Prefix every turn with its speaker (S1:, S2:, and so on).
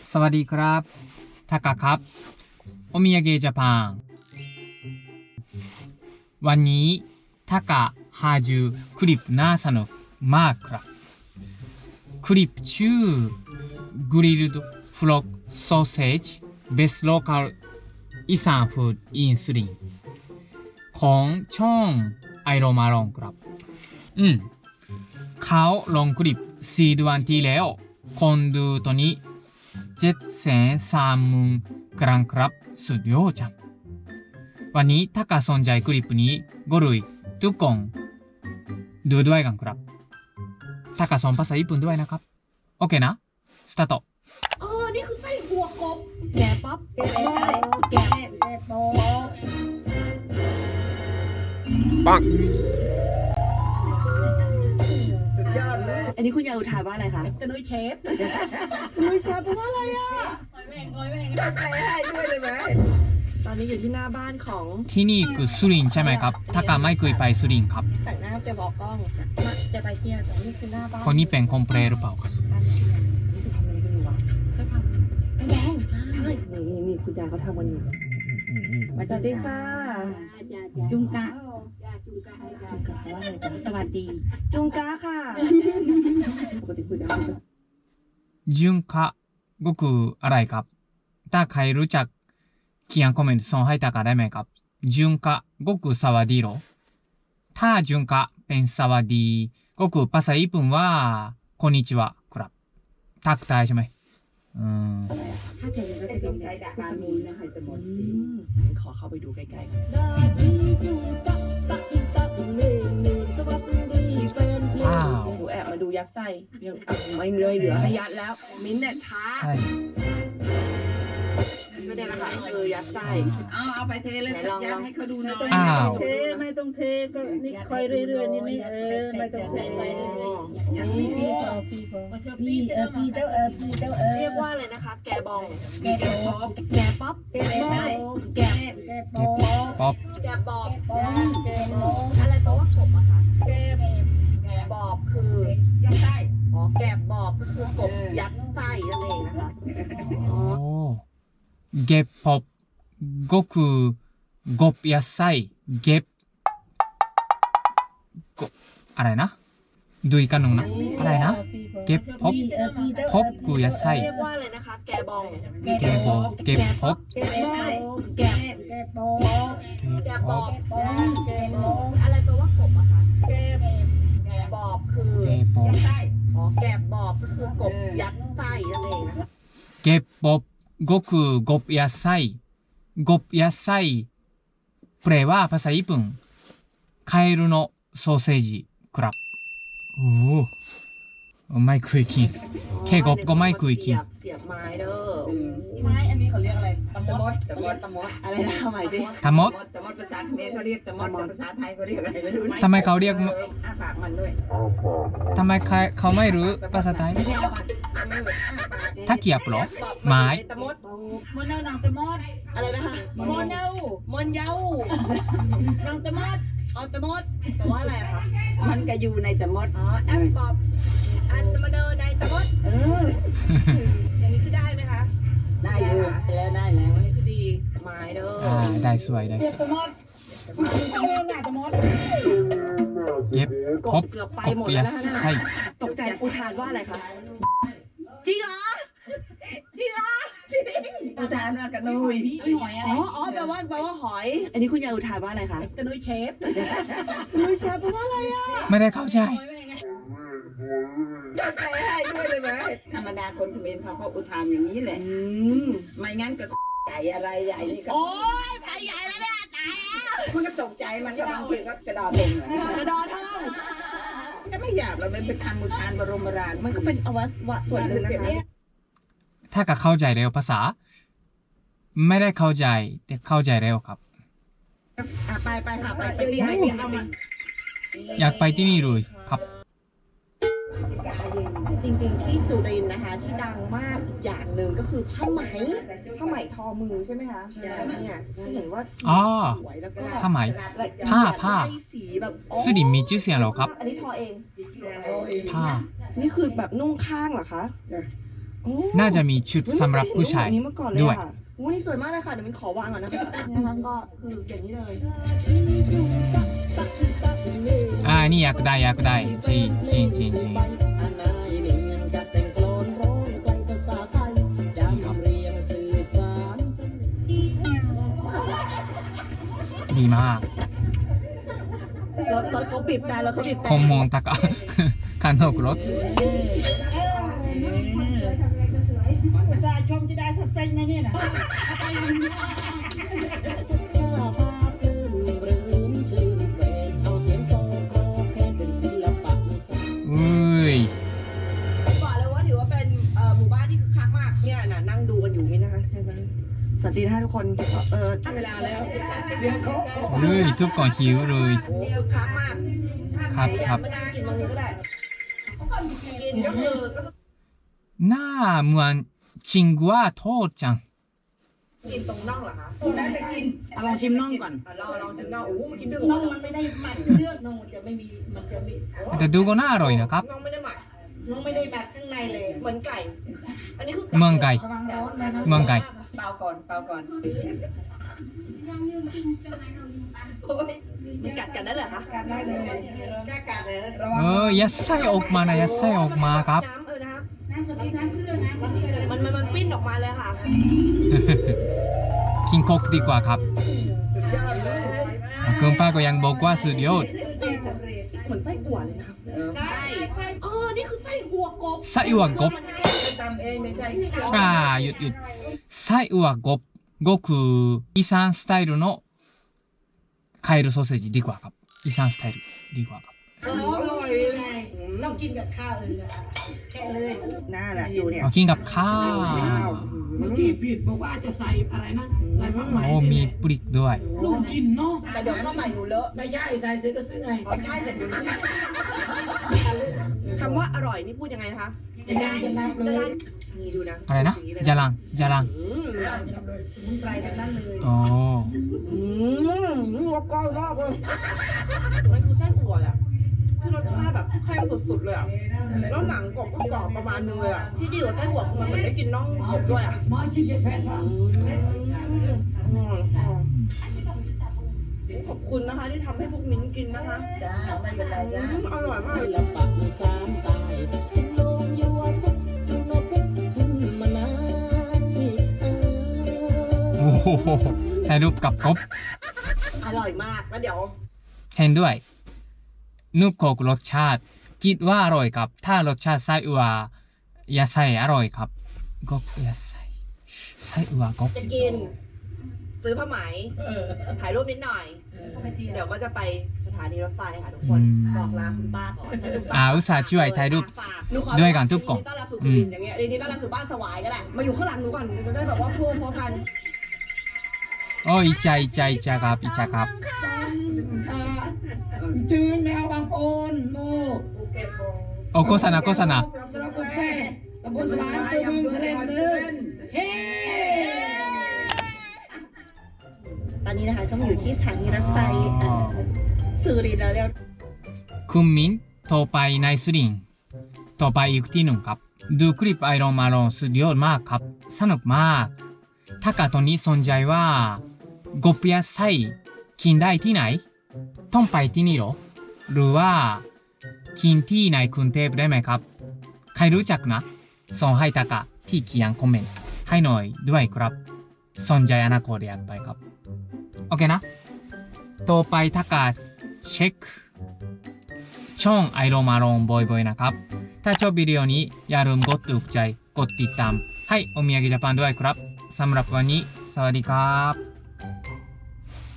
S1: สวัสดีครับทากะครับโอมิยาเกะญี่ปุ่นวันนี้ทากะหาจูคลิปNASAのマークครับคลิปชื่อกริลด์ฟลอกซอสเซจเบสโลคาลอีสานฟู้ดอินซูลินของช่องไอโรมาลองครับเขาลงคลิปซีดวันที่แล้วคนดูตัวนี้730,000ครั้งครับสุดยอดจังวันนี้ถ้ากสนใจคลิปนี้ก็เลยทุกคนดูด้วยกันครับถ้ากสอนภาษาญี่ปุ่นด้วยนะครับโอเคนะสตาร์ท
S2: นี่คือไส้หัวกบแกะป๊อปแกะโป๊ปังสุดยอดเลยอันนี้คุณยายอุทานว่าอะไรคะกระนุยเชฟกระนุยเชฟแปลว่าอะไรอ่ะจัดใจให้ด้วยเลยไหมตอนนี้อยู่ที่หน้าบ้านของ
S1: ที่นี่คือสุรินทร์ใช่ไหมครับถ้ากไม่เคยไปสุรินทร์ครับ
S2: แต่งหน้าจะบอกกล้องจะไปเที่ยวแต่นี่คือหน้าบ้าน
S1: คนนี้เป็นคอมเพลหรือเปล่าครับ
S2: นี่คุณยายเขาทำกันอยู่สวัสดีค่ะจุงกะว่าอะไรกันสวัสดีจุงกะค่ะปกติคุณยาย
S1: จุงกะก็คืออะไรครับถ้าใครรู้จักเขียนคอมเมนต์ส่งให้ตากะได้ไหมครับจุงกะก็คือสวัสดีหรอถ้าจุงกะเป็นสวัสดีก็คือภาษาญี่ปุ่นว่าこんにちはครับทักทายใช่ไหม
S2: ถ้าเกิดเราจะต้องใช้การมูลนะคะจะหมดขอเข้าไปดูใกล้ๆว้าวแอบมาดูยัดไส้ยังไม่เลยเหลือให้ยัดแล้วมิ้นเนี่ยช้าไม่ได้นะคะยัดไส้เอาไปเทเลยยัดให้เขาดูหน่อยไม่ต้องเทก็นี่ค่อยเรื่อยๆนี่ไม่ต้องเทพี่เรียกว่าอะไรนะคะแกบองแกป๊อปแกป๊อปแก
S1: ป๊อป
S2: แกบอบอะไรแปลว่ากบอะคะแกบอบคือยัดไส้แกบอบก็คือกบยัดไส้นั่นเองนะคะ
S1: เก็บป๊อปก็คือกบยัดไส้เก็บอะไรนะดูอีกอันหนึ่งนะอะไรนะเก็บป๊อปป๊อปคือยัดไส้
S2: เรียกว่าอะไรนะคะแกบอง
S1: เก็บป๊อป
S2: แกบอบอะไรแปลว่ากบอะคะแกบอบคือยัดไส้แกบอบก็คือกบยัดไส้นั่นเองนะคะ
S1: เก็บป๊อปก็คือกบยัดไส้กบยัดไส้แปลว่าภาษาญี่ปุ่นカエルのソーセージครับโอ้ไม่เคยกินแค่กบก็ไม่เคยกิน
S2: เสียบไม้เด้อไม้อันนี้เขาเรียกอะไรตะมดอะไรนะทำไมดิ
S1: ตะมด
S2: ภาษาเขมรเขาเรียกตะมดภาษาไทยเขาเรียกอะไรไม่รู้
S1: ทำไมเขาเรียก
S2: ปากมันด้วย
S1: ทำไมเขาไม่รู้ภาษาไทยถ้าเกียบหรอไม้
S2: ตะมดมอนเนาหนังตะมดอะไรนะคะมอนเนาหนังตะมดตะมดแต่ว่าอะไรคะมันก็อยู่ในตะมดแอปปอบอันตะมดในตะมดอย่างนี้คือได้ไหมคะได้อยู่แล้วได้แล้วนี่คือดีไม้เด้อ
S1: ได้สวยได้สวย
S2: ตะมดตะมด
S1: เก็บครบกบยัดไส้
S2: ตกใจอุทานว่าอะไรคะจริงเหรออุทานว่ากระนุยแปลว่าหอยอันนี้คุณยายอุทานว่าอะไรคะกระนุยเชฟแปลว่าอะไรอ่ะ
S1: ไม่ได้เข้าใจ
S2: จัดใจให้ด้วยเลยไหมธรรมดาคนเขมรเขาก็อุทานอย่างนี้แหละไม่งั้นก็ใหญ่อะไรใหญ่นี่ก็โอ้ยไปใหญ่แล้วเนี่ยตายแล้วคุณก็ตกใจมันก็บางทีก็กระดอทงกระดอทงก็ไม่อยากเราเป็นคำอุทานบรมราชมันก็เป็นอวัยวะส่วนหนึ่งนะคะ
S1: ถ้าก็เข้าใจเร็วภาษาไม่ได้เข้าใจแต่เข้าใจเร็วครับ
S2: ไปค่ะไปที่เอามา
S1: อยากไปที่นี่เลยครับ
S2: จริงๆที่สุรินทร์นะคะที่ดังมากอีกอย่างหนึ่งก็คือผ้าไหมทอมือใช่ไหมคะใช่เนี่ยเห็นว่าสวยแล้วก็
S1: ผ้าไหมผ้า
S2: สีแบบ
S1: สุรินทร์มีชื่อเสียงหรอครับ
S2: อันนี้ทอเอง
S1: ผ้า
S2: นี่คือแบบนุ่งข้างเหรอคะ
S1: น่าจะมีชุดสำหรับผู้ชาย
S3: อันนี้มาก่อนเลย
S1: ด้วย
S3: ค่ะโอ้นี่สวยมากเลยค่ะ เดี๋ยวมันขอวางก่อนนะคะนะคะก็คืออย่างนี้เลย
S1: นี่อยากได้อยากได้จริงจริงจริงจริงดีมาก
S3: รถเขาบีบแต่รถเขาบีบแต่
S1: คอมมองตะกะ คันนอกรถ
S3: ประชาชนจะได้สเปคไหมเนี่ยนะ
S1: อุ้ย
S3: บอกเลยว่าถือว่าเป็นหมู่บ้านที่คึกคักมากเนี่ยน่ะนั่งดูกันอยู่นี่นะคะใช่ไหมสวัสดีนะคะทุกคนเวลาแล้ว
S1: เลยทุกคนหิวเลย
S3: โอ้คึกคักมาก
S1: ครับครับ
S3: ไม่ได้กินตรงนี้ก็ได้กินก็คือ
S1: หน้าเหมือนชิงกัวโทษจัง
S3: กินตรงน่องเหรอคะ
S2: น่าจะกิน
S4: ลองชิมน่องก่อน
S3: ลองชิมน่องโอ้มันกินดึง
S4: น่องมันไม่ได้หมักเลือดน่องมันจะไม่มีมันจะไม่
S1: แต่ดูก็น่าอร่อยนะครับ
S3: น่องไม่ได้หมัก
S4: น่องไม่ได้หมักข้างในเลย
S3: เหมือนไก่ อันนี้คือ
S1: เมืองไก่
S4: ระวังร้อนนะนะ
S1: เมืองไก่
S2: เปล่าก่อนเปล่าก่อน
S3: มันกัดกันได้เหรอคะ
S4: การได้เลย
S2: แก้การเลยระวัง
S1: ยัดไส้ออกมานะยัดไส้ออกมาครับ
S3: น้ำนะครับ
S4: น้ำกะทิน้ำเกลือน้ำกะทิเลย
S3: มันปิ้นออกมาเลยค่ะ
S1: กินโคกดีกว่าครับคุณป้าก็ยังบอกว่าสุดยอด
S3: เหมือนไส้อั่วเลยนะคะ
S2: ใช่
S3: นี่คือไส้อั่วกบ
S1: ไส้อั่วกบ
S2: ทำเองไม่ใช่
S1: หยุดหยุดไส้อั่วกบก็คืออีสานสไตล์のカエルソーセージดีกว่าครับอีสานสไตล์ดีกว่าครับ
S4: อร่อยไงต้องกินกับข้าวเลยแค่เลย
S3: น่าแหละดูเนี่ย
S1: เอากินกับข้าว
S4: เมื่อกี้ผิดบอกว่าจะใส่อะไรนะใส่ผักใหม่
S1: โอ้มีปริกด้วย
S4: ลูกกินเนาะ
S3: แต่เดี๋ยวข้าวใหม่หนูเลอะ
S4: ไม่ใช่ใส่ซื้อก็ซื้อไง
S3: อ๋อใช่แต่หนูคำว่าอร่อยนี่พูดยังไงนะคะ
S4: จะได้จะนับเลย
S3: นี่ดูนะ
S1: อะไรนะจารังจารัง
S4: สมุนไพรทั้งนั้นเลย
S1: อ๋อ
S3: หัวก้อยมากเลยมันคือไส้อั่วแหละคือรสชาติแบบแห้งสุดๆเลยอ่ะแล้วหนังกรอบก็กรอบประมาณนึงเลยอ่ะที่ดีกว่าไส้อั่วคือมันเหมือนได้กินน่องกบด้วยอ่ะ
S4: มาชิมเย็นแพนค่ะ
S3: ขอบคุณนะคะที่ทำให้พวกมิ้นกินนะคะ
S2: จ้าไม่เป็นไรจ้า
S3: อร่อยมาก
S4: ศิลปะอีสานใต้ลงยัวพุทธนพพุทธมานานนี่
S1: โอ้โหถ่ายรูปกับกบ
S3: อร่อยมากแล้วเดี๋ยว
S1: เห็นด้วยนุบโคกรสชาติคิดว่าอร่อยครับถ้ารสชาติไส้อั่ว野菜อร่อยครับกบ野菜ไส้อั่วกบ
S3: จะกิน ซื้อผ้าไหมถ่ายรูปนิดหน่อย เดี๋ยวก็จะไปสถานีรถไฟค่ะทุกคน บอกลาคุณป้าก่อน
S1: อุตส่าห์ช่วยถ่ายรูป
S3: หนูขอ
S1: ด้วยกันทุกกล่อง
S3: ยินดีต้อนรับสู่สุรินทร์อย่างเงี้ยยินดีต้อนรับสู่บ้านสวายก็ได้มาอยู่ข้างหลังหนูก่อนจะได้แบบว่าพูดพร้อมกัน
S1: โอ้อิจฉาอิจฉาอิจฉาครับอิจฉาครับ
S4: จืนแมวบางโอนโม
S1: โอ้โฆษณาโฆษณา
S4: สระกุแซ่ตำบลสมานตัวเมืองเสด็จเลยเฮ้
S3: ตอนนี้นะคะก็มาอยู่ที่สถานีรถไฟสุรินทร์แล้วเรียบ
S1: คุณมิ้นต่อไปในสุรินทร์ต่อไปอีกที่หนึ่งครับดูคลิปไอรอนมาลอนสุดยอดมากครับสนุกมากถ้าเกิดตอนนี้สนใจว่ากบやไส้กินได้ที่ไหนต้องไปที่นี่หรอหรือว่ากินที่ในกรุงเทพได้ไหมครับใครรู้จักนะส่งให้ตะกะที่เขียนคอมเมนต์ให้หน่อยด้วยครับสนใจอนาคตอยากไปครับโอเคนะต่อไปตะกะเช็คช่องไอโรมาลอนบ่อยๆนะครับถ้าชอบวิดีโอนี้อย่าลืมกดถูกใจกดติดตามให้โอมิยากิジャパンด้วยครับสำหรับวันนี้สวัสดีครับ